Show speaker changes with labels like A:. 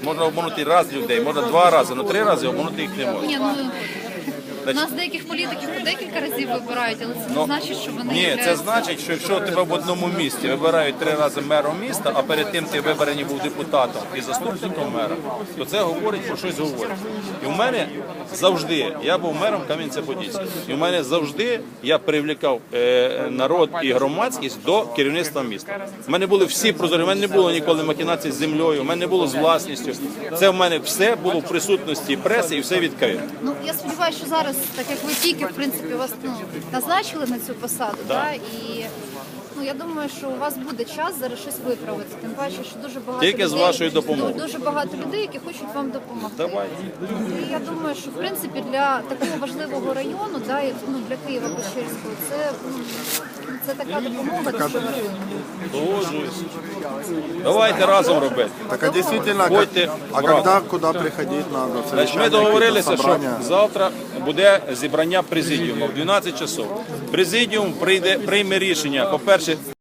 A: Можна обманути раз людей, можна 2 рази, але 3 рази обманути їх не можна.
B: Ні, у нас деяких політиків по декілька разів вибирають, але це не значить, що вони
A: Ні, це
B: являються...
A: значить, що якщо тебе в одному місті вибирають 3 рази мером міста, а перед тим ти вибраний був депутатом і заступником мера, то це говорить про щось говорить. І в мене завжди, я був мером Кам'янця-Подільського, і в мене завжди я привлікав народ і громадськість до керівництва міста. У мене були всі прозорі, у мене не було ніколи махінацій з землею, у мене не було з власністю. Це в мене все було в присутності преси і все відкрито.
B: Ну, я сподіваюся, що зараз, так як ви тільки, в принципі, вас назначили на цю посаду, і я думаю, що у вас буде час зараз щось виправити. Тим паче, що дуже багато
A: Тільки
B: людей,
A: з вашою допомогою.
B: Дуже багато людей, які хочуть вам допомогти.
A: Давайте.
B: І я думаю, що в принципі для такого важливого району, для Києва-Печерського, це така допомога дуже важлива.
A: Погоджуюсь. Давайте разом робити.
C: Так а действительно,
A: Ходьте в
C: когда, куда приходить надо?
A: Значить, ми договорилися, що завтра буде зібрання президіуму в 12 часов. Президіум прийме рішення, по-перше,